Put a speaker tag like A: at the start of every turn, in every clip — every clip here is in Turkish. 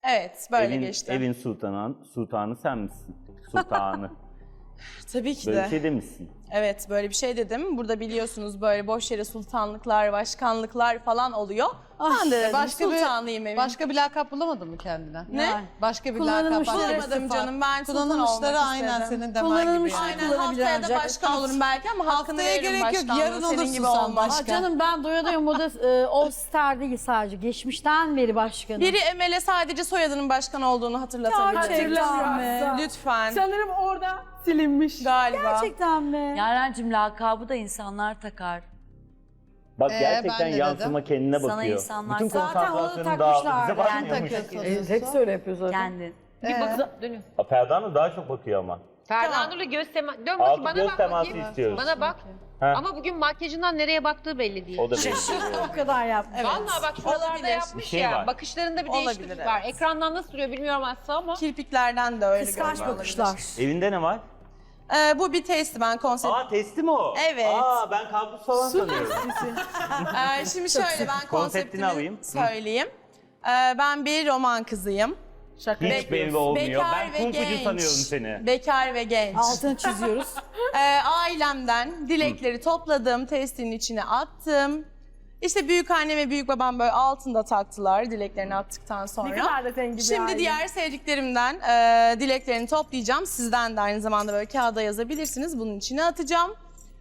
A: Evet, böyle geçti.
B: Evin sultanı sen misin? Sultanı.
A: Tabii ki
B: Böyle
A: de.
B: bir şey demişsin.
A: Evet, böyle bir şey dedim. Burada biliyorsunuz böyle boş yere sultanlıklar, başkanlıklar falan oluyor. Ben de dedim sultanlıyım evin.
C: Başka bir lakap bulamadın mı kendine?
A: Ne?
C: Başka bir lakap.
D: Kullanılmışları
C: başka bir
A: Bulamadım
C: sıfat.
A: canım, ben sultan
C: Kullanılmışları
A: olmak
C: aynen
A: istedim.
C: senin demen gibi.
D: Kullanılmışları
C: Yani.
A: Aynen, haftaya da
D: ancak.
A: başkan olurum belki ama hakkını
C: Haftaya
A: veririm
C: gerek yok,
A: başkanlığı.
C: yarın
A: Senin
C: olursun
A: gibi
C: sen
A: olmaz.
C: başkan.
D: Canım ben doya doya moda All Star değil sadece. Geçmişten beri başkanım.
A: Biri Emel'e sadece soyadının başkan olduğunu hatırlatabilir.
D: Gerçekten mi?
A: Lütfen.
E: Sanırım orada silinmiş.
A: Galiba.
D: Gerçekten mi?
F: Yarencim lakabı da insanlar takar.
B: Bak
C: ben
B: gerçekten
C: de
B: yansıma kendine
F: Sana
B: bakıyor.
F: insanlar
B: Bütün
D: zaten onu
B: konsantrasyonu dağıldı.
D: takmışlar.
B: Bize
C: Sen
B: bakmıyormuş.
C: takıyorsun.
E: Hepsi öyle yapıyor zaten.
F: kendin.
E: Bir bak dönüyor.
B: Ferda Nur daha çok bakıyor ama.
G: Ferda Nur'la göz teması... Dön
B: Altı
G: bakayım bana
B: göz
G: bak
B: teması
G: bakayım.
B: istiyoruz.
G: Bana bak.
B: Ha.
G: Ama bugün makyajından nereye baktığı belli değil.
B: O da belli.
D: O kadar yapmış.
A: Evet.
G: Vallahi bak şuralarda
A: Olabilir.
G: yapmış
B: Bir şey
G: ya.
B: var.
G: Bakışlarında bir
A: Olabilir,
G: değişiklik var.
A: evet.
G: Ekrandan nasıl duruyor bilmiyorum aslında ama.
A: Kirpiklerden de öyle
D: Kıskanç
A: görünüyor
D: bakışlar.
A: olabilir.
B: Evinde ne var?
A: Bu bir testi, ben konsept.
B: Testi mi o?
A: Evet.
B: Ben kampüs falan sanıyorum.
A: Şimdi şöyle, ben konseptimi
B: alayım.
A: söyleyeyim. Ben bir roman kızıyım.
E: Şaka
B: Hiç
E: yapıyorsun.
B: belli olmuyor.
A: Bekar
B: Ben
A: ve
B: kumpucu
A: genç.
B: sanıyorum seni.
A: Bekar ve genç.
D: Altını çiziyoruz.
A: Ailemden dilekleri topladım, testin içine attım. İşte büyükannem ve büyükbabam böyle altında taktılar dileklerini attıktan sonra.
E: Ne kadar da zengin bir
A: Şimdi
E: aile.
A: diğer sevdiklerimden dileklerini toplayacağım. Sizden de aynı zamanda böyle kağıda yazabilirsiniz. Bunun içine atacağım.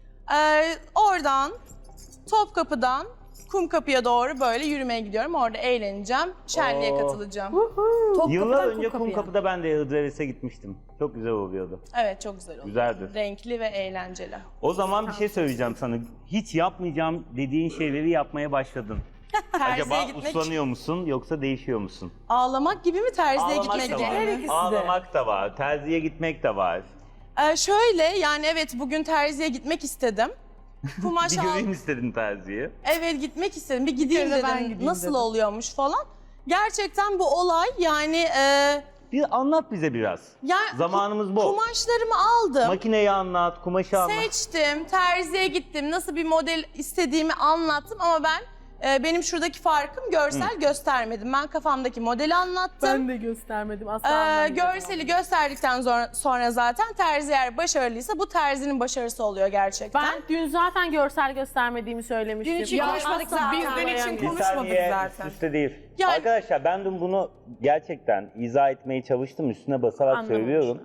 A: Oradan Topkapı'dan Kumkapı'ya doğru böyle yürümeye gidiyorum. Orada eğleneceğim, şenliğe katılacağım.
B: Yıllar önce Kumkapı'da ben de Hıdrellez'e gitmiştim. Çok güzel oluyordu.
A: Evet, çok güzel oldu.
B: Güzeldir.
A: Renkli ve eğlenceli.
B: O zaman bir şey söyleyeceğim sana. Hiç yapmayacağım dediğin şeyleri yapmaya başladın.
A: Terziye
B: Acaba
A: gitmek,
B: uslanıyor musun yoksa değişiyor musun?
A: ağlamak gibi mi, terziye
B: Ağlamak
A: gitmek
B: da
A: gibi
B: var.
A: mi?
B: Ağlamak da var. Terziye gitmek de var.
A: Şöyle, yani evet, bugün terziye gitmek istedim. Kumaş
B: Bir
A: al.
B: göreyim istedim terziye.
A: Evet, gitmek istedim. Bir gideyim
C: Bir kere de ben
A: dedim.
C: gideyim
A: Nasıl
C: dedim.
A: oluyormuş falan. Gerçekten bu olay yani
B: Bir anlat bize biraz. Zamanımız bol.
A: kumaşlarımı aldım.
B: Makineyi anlat, kumaşı anlat.
A: Seçtim, terziye gittim. Nasıl bir model istediğimi anlattım ama ben benim şuradaki farkım görsel göstermedim. Ben kafamdaki modeli anlattım.
E: Ben de göstermedim asla. anlamadım.
A: Görseli gösterdikten sonra zaten terzi eğer başarılıysa bu terzinin başarısı oluyor gerçekten.
E: Ben dün zaten görsel göstermediğimi söylemiştim.
D: Dün için
E: Ya
D: konuşmadık
E: aslında
D: zaten.
E: bizden için
B: Bir
E: konuşmadık
B: saniye
E: zaten.
B: üstte değil.
A: Yani-
B: Arkadaşlar ben dün bunu gerçekten izah etmeye çalıştım. Üstüne basarak
E: Anlamamışım.
B: söylüyorum.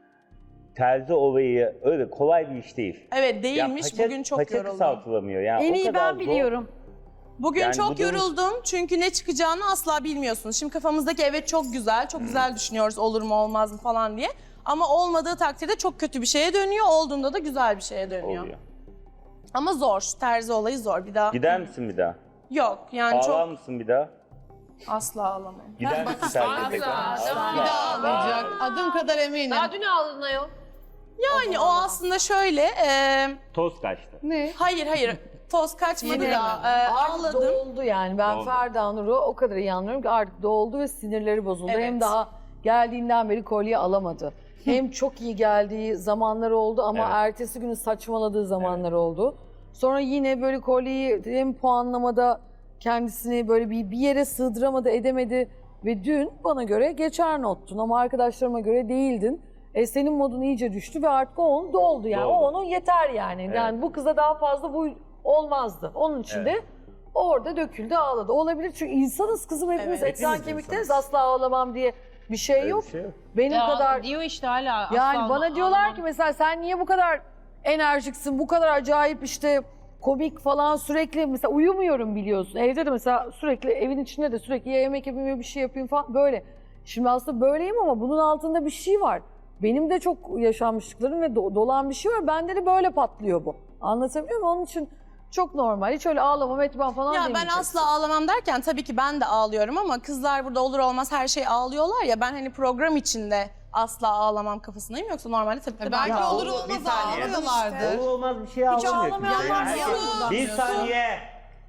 B: Terzi olayı öyle kolay bir iş değil.
A: Evet, değilmiş. Bugün çok
B: paça
A: yoruldum.
B: kısaltılamıyor. Yani
D: En
B: o
D: iyi
B: kadar
D: ben biliyorum.
A: Bugün
B: Yani
A: çok
B: bu da-
A: yoruldum çünkü ne çıkacağını asla bilmiyorsunuz. Şimdi kafamızdaki evet çok güzel, çok güzel düşünüyoruz olur mu olmaz mı falan diye. Ama olmadığı takdirde çok kötü bir şeye dönüyor, olduğunda da güzel bir şeye dönüyor.
B: oluyor.
A: Ama zor, terzi olayı zor. Bir daha
B: Gider misin bir daha?
A: yok yani
B: Ağlar
A: çok
B: mısın bir daha?
A: asla ağlamayın.
B: Gider misin terziye tekrar?
C: Bir daha ağlayacak. Adım kadar eminim.
G: Daha dün ağladın ayol.
A: Yani o aslında şöyle,
B: Toz kaçtı.
C: Ne?
A: hayır toz kaçmadı da
H: Artık
A: ağladım.
H: doldu yani. Ben
B: Doldu.
H: Ferda Nur'u o kadar iyi anlıyorum ki artık doldu ve sinirleri bozuldu.
A: Evet.
H: Hem daha geldiğinden beri kolye alamadı. Hem çok iyi geldiği zamanlar oldu ama
B: Evet.
H: ertesi günü saçmaladığı zamanlar oldu. Sonra yine böyle kolyeyi hem puanlamada kendisini böyle bir yere sığdıramadı, edemedi. Ve dün bana göre geçer nottun ama arkadaşlarıma göre değildin. Senin modun iyice düştü ve artık o onun doldu yani.
B: Doldu.
H: O onun yeter yani.
B: Evet.
H: Yani bu kıza daha fazla bu olmazdı. Onun için de orada döküldü, ağladı. Olabilir çünkü insanız kızım hepimiz
A: Evet.
H: etten
B: Hepimiz
H: kemikteniz.
B: insanız.
H: Asla ağlamam diye bir şey
B: Öyle
H: yok.
B: bir şey yok.
H: Benim
C: Ya
H: kadar
C: diyor işte hala.
H: yani
C: asla
H: bana diyorlar
C: ağlamam.
H: ki mesela sen niye bu kadar enerjiksin, bu kadar acayip işte komik falan sürekli mesela uyumuyorum biliyorsun. Evde de mesela sürekli evin içinde de sürekli ya yemek yapayım ya bir şey yapayım falan böyle. Şimdi aslında böyleyim ama bunun altında bir şey var. Benim de çok yaşanmışlıklarım ve dolan bir şey var. Bende de böyle patlıyor bu. Anlatabiliyor muyum? Onun için çok normal. Hiç öyle ağlamam etmem falan
A: Ya ben
H: demeyeceksin.
A: asla ağlamam derken tabii ki ben de ağlıyorum ama kızlar burada olur olmaz her şey ağlıyorlar ya, ben hani program içinde asla ağlamam kafasındayım, yoksa normalde tabii ki de
C: Belki
A: ben
C: olur
B: bir
C: olmaz
B: saniye.
C: ağlıyorlardı.
B: Olur olmaz bir şey ağlamıyor.
A: ağlamayan
B: kimse.
A: var
B: Yani
A: mı?
B: herkes-
A: Yok.
B: Bir saniye.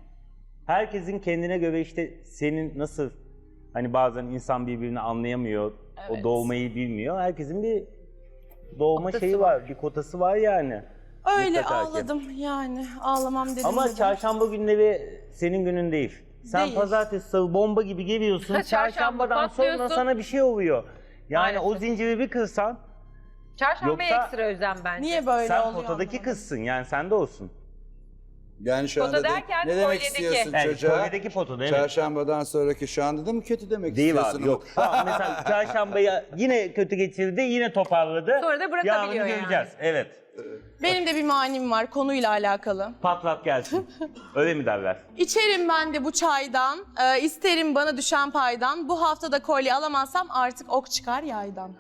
B: Herkesin kendine göre işte senin nasıl hani bazen insan birbirini anlayamıyor,
A: Evet.
B: o doğmayı bilmiyor. Herkesin bir doğma şeyi var, bir kotası var yani.
A: öyle
B: Mutlaka ki.
A: ağladım yani, ağlamam dedim.
B: Ama
A: dedim.
B: çarşamba günleri senin günün değil. Sen
A: Değil.
B: pazartesi, salı bomba gibi geliyorsun.
G: Çarşamba
B: Çarşambadan sonra
G: patlıyorsun.
B: sana bir şey oluyor. Yani o
G: Maalesef.
B: zinciri bir kırsan
G: Çarşambaya
B: Yoksa-
G: ekstra özlem bence.
A: Niye böyle
B: sen
A: oluyor?
B: potadaki
A: anlamadım.
B: kızsın. Yani sende olsun.
I: Yani şu
G: Pota
I: anda
G: derken
I: ne demek
G: kolyedeki.
I: istiyorsun
B: Yani
I: çocuğa?
B: kolyedeki potada evet.
I: Çarşambadan sonraki şu anda da mı kötü demek
B: Değil
I: istiyorsun?
B: abi yok. Tamam, mesela çarşambaya yine kötü geçirdi, yine toparladı.
G: Sonra da bırakabiliyor
B: Yarını
G: yani.
B: göreceğiz. Evet.
A: Benim de bir manim var konuyla alakalı.
B: Patlat gelsin. Öyle mi derler?
A: İçerim ben de bu çaydan, isterim bana düşen paydan. Bu hafta da kolye alamazsam artık ok çıkar yaydan.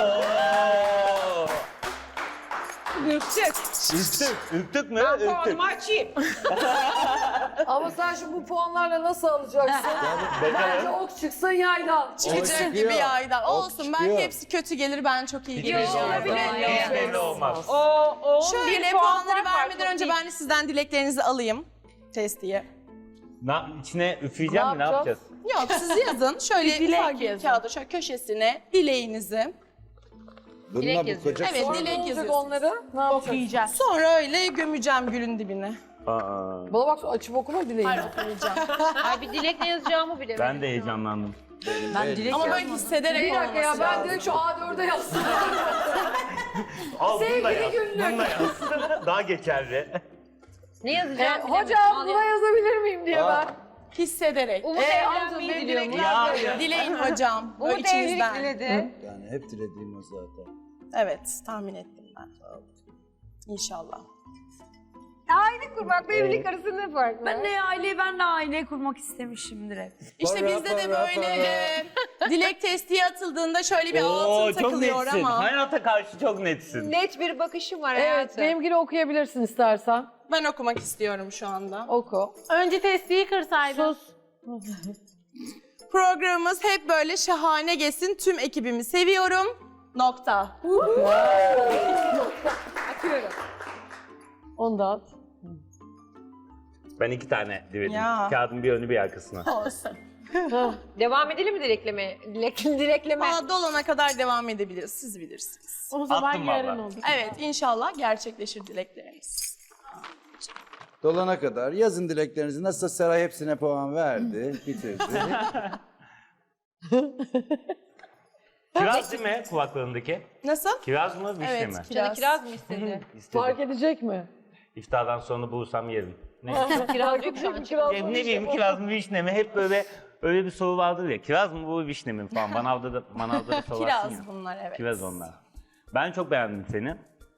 G: Ürktük.
B: Ürktük mü? Ürktük.
G: Puanımı açayım.
H: Ama sen şimdi bu puanlarla nasıl alacaksın? Bence ok çıksın yaydan.
A: Çıkacak
I: çıkıyor.
A: gibi yaydan.
I: Ok
A: Olsun
I: çıkıyor.
A: belki hepsi kötü gelir ben çok iyi
B: Hiç
A: gelirim.
B: belli olmaz. Hiç belli olmaz.
G: O
A: Şöyle
G: bir puan
A: puanları
G: fark var,
A: vermeden
G: çok
A: önce
G: değil.
A: ben de sizden dileklerinizi alayım testiye.
B: İçine üfleyeceğim mi? Ne yapacağız?
A: Yok siz yazın. Şöyle
E: dilek
A: ufak bir
E: yazın.
A: kağıda şöyle köşesine dileğinizi.
I: Bununla
G: Dilek
I: bu
G: yazıyor.
I: koca
A: Evet
H: Sonra ne
A: dilek
H: olacak
A: yazıyorsunuz.
H: onları? Ne yapacaksın?
E: Okuyacağız.
A: Sonra öyle gömeceğim gülün dibine.
B: Aa,
H: Bana bak açıp okuma dileğini.
G: Ay bir dilek ne yazacağımı bilemedim.
B: ben de heyecanlandım.
F: Ben dilek
A: Ama böyle
F: yazmadım.
A: hissederek
H: Bir dakika ya
A: olması
H: ben
A: lazım.
H: direkt şu A4'e yazsın.
B: Al
H: Sevgili
B: bununla yaz.
H: günlük.
B: Bununla yaz. Daha geçerli.
G: Ne yazacağım bilemedim.
H: Hocam
G: Al
H: buna yazabilir miyim diye ben.
A: Hissederek.
G: Umut
H: amcam
G: evlenmeyi
H: benim
G: diliyorum.
H: dilekler-
A: Dileyin hocam. Böyle
G: Umut evlilik
A: içinizden.
G: diledi.
I: Yani hep dilediğim o zaten.
A: Evet tahmin ettim ben. İnşallah.
G: Aile kurmak ve evlilik arasında ne fark var?
F: Ben de aile kurmak istemişimdir hep.
A: İşte
I: Para,
A: bizde de
I: para,
A: böyle dilek testiye atıldığında şöyle bir
B: Oo,
A: altın
B: çok
A: takılıyor
B: netsin.
A: ama.
B: Hayata karşı çok netsin.
G: Net bir bakışım var
H: Evet
G: hayatım.
H: benimkini okuyabilirsin istersen.
A: Ben okumak istiyorum şu anda.
H: Oku.
E: Önce testiyi kırsaydın.
H: Sus.
A: Programımız hep böyle şahane geçsin. Tüm ekibimi seviyorum. Nokta.
G: Atıyorum.
H: Onu da at.
B: Ben 2 tane diledim.
A: Ya.
B: Kağıdın bir önü bir arkasına.
A: Olsun.
G: Devam edelim mi dilekleme? Dilekleme.
A: Valla dolana kadar devam edebiliriz. Siz bilirsiniz.
E: O zaman
B: Attım
E: yarın
B: vallahi.
E: olur.
A: Evet inşallah gerçekleşir dileklerimiz.
I: Dolana kadar yazın dileklerinizi. Nasılsa Seray hepsine puan verdi, bitirdi.
B: Kiraz değil mi kulaklarındaki?
A: Nasıl?
B: Kiraz mı, vişne
A: Evet
B: mi?
G: Canı
A: kiraz.
G: kiraz mı istedi?
B: İstedim.
H: Fark edecek mi?
B: İftardan sonra bulursam yerim. Ne?
G: Kiraz yok şu an.
H: Kiraz
B: Ne bileyim kiraz mı vişne mi? Hep böyle öyle bir soru vardır ya. Kiraz mı bu vişne mi falan. Manavda da sorarsın ya.
A: Kiraz bunlar evet.
B: Kiraz onlar. Ben çok beğendim seni.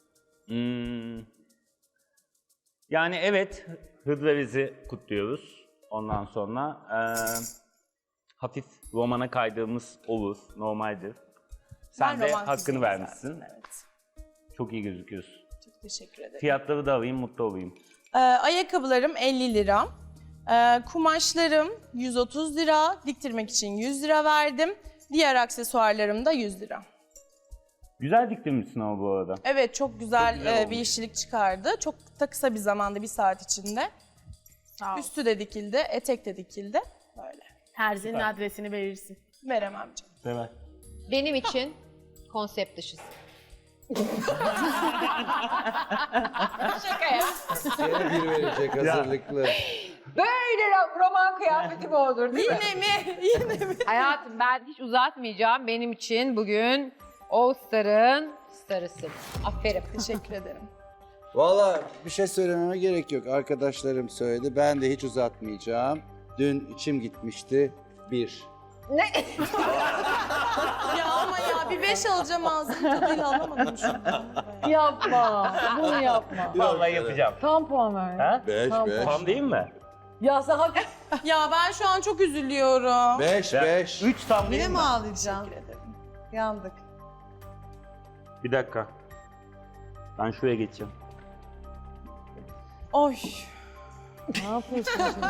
B: Yani evet Hıdrellez'i kutluyoruz. Ondan sonra hafif romana kaydığımız olur. Normaldir. Sen
A: Ben
B: de
A: romantizm
B: hakkını vermişsin.
A: zaten, Evet.
B: Çok iyi gözüküyorsun.
A: Çok teşekkür ederim.
B: Fiyatları da alayım, mutlu olayım.
A: Ayakkabılarım 50 lira. Kumaşlarım 130 lira. Diktirmek için 100 lira verdim. Diğer aksesuarlarım da 100 lira.
B: Güzel diktirmişsin ama bu arada.
A: Evet çok güzel,
B: Çok güzel
A: bir
B: olmuş.
A: işçilik çıkardı. Çok da kısa bir zamanda, bir saat içinde.
E: Sağ ol.
A: Üstü de dikildi, etek de dikildi. Böyle.
E: Terzinin adresini verirsin.
A: Veremem canım.
B: Sever.
G: Benim için konsept dışısı. Şaka ya.
I: Yine bir verecek hazırlıklı.
G: Böyle roman kıyafeti mi olur değil mi?
A: Yine mi? Yine mi?
G: Hayatım ben hiç uzatmayacağım. Benim için bugün All Star'ın starısın. Aferin.
A: Teşekkür ederim.
I: Valla bir şey söylememe gerek yok. Arkadaşlarım söyledi. Ben de hiç uzatmayacağım. Dün içim gitmişti. 1.
A: Ya ama ya bir 5 alacağım ağzımın tadıyla alamadım şu an.
H: Yapma. Bunu yapma.
B: Vallahi yapacağım.
H: Tam puan ver.
B: Ha?
I: 5,
H: Tamam.
I: 5.
B: Tam değil mi?
H: Ya sen hak...
A: Ya ben şu an çok üzülüyorum.
I: 5, 5.
B: 3 tam değil
C: Yine
B: mi?
C: mi ağlayacaksın?
A: Teşekkür ederim.
C: Yandık.
B: Bir dakika. Ben şuraya geçeceğim.
A: Oy.
H: Ne yapıyorsun şimdi?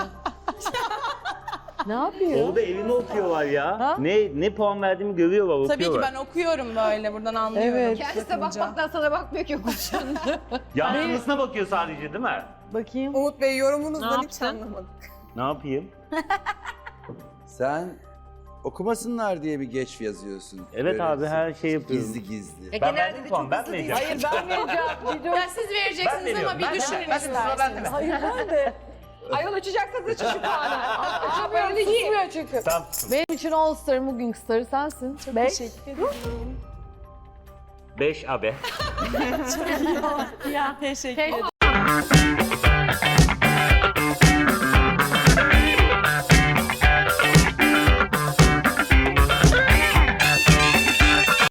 H: Ne yapıyor?
B: Orada evini okuyorlar ya.
H: Ha?
B: Ne puan verdiğimi görüyorlar,
A: Tabii ki
B: okuyorlar.
A: ben okuyorum böyle buradan anlıyorum.
H: Evet.
G: Kendisine bakmaktan sana bakmıyor ki konuşan.
B: Yansımasına bakıyor sadece değil mi?
H: Bakayım.
C: Umut Bey
G: Ne
C: yorumunuzdan hiç
G: yaptın?
C: anlamadım.
B: Ne yapayım?
I: Sen okumasınlar diye bir geç yazıyorsun.
B: Evet abi, her şey yapıyorum.
I: Gizli gizli.
G: Peki
B: Ben
G: nerede
B: verdim
G: de
B: puan,
G: çok
B: ben
G: hızlı
B: mi
G: değil.
B: vereceğim?
H: Hayır ben vereceğim. Bir dur.
A: Ya siz vereceksiniz ama bir düşünün isterseniz.
H: Hayır ben de. Ayol açacaksanız açın şu puanı. Açamıyorum, susmuyor çünkü.
B: Tam
H: Benim için All Star'ın bugünkü starı sensin. Çok
A: Teşekkür ederim.
B: 5 abi.
A: Teşekkür ederim.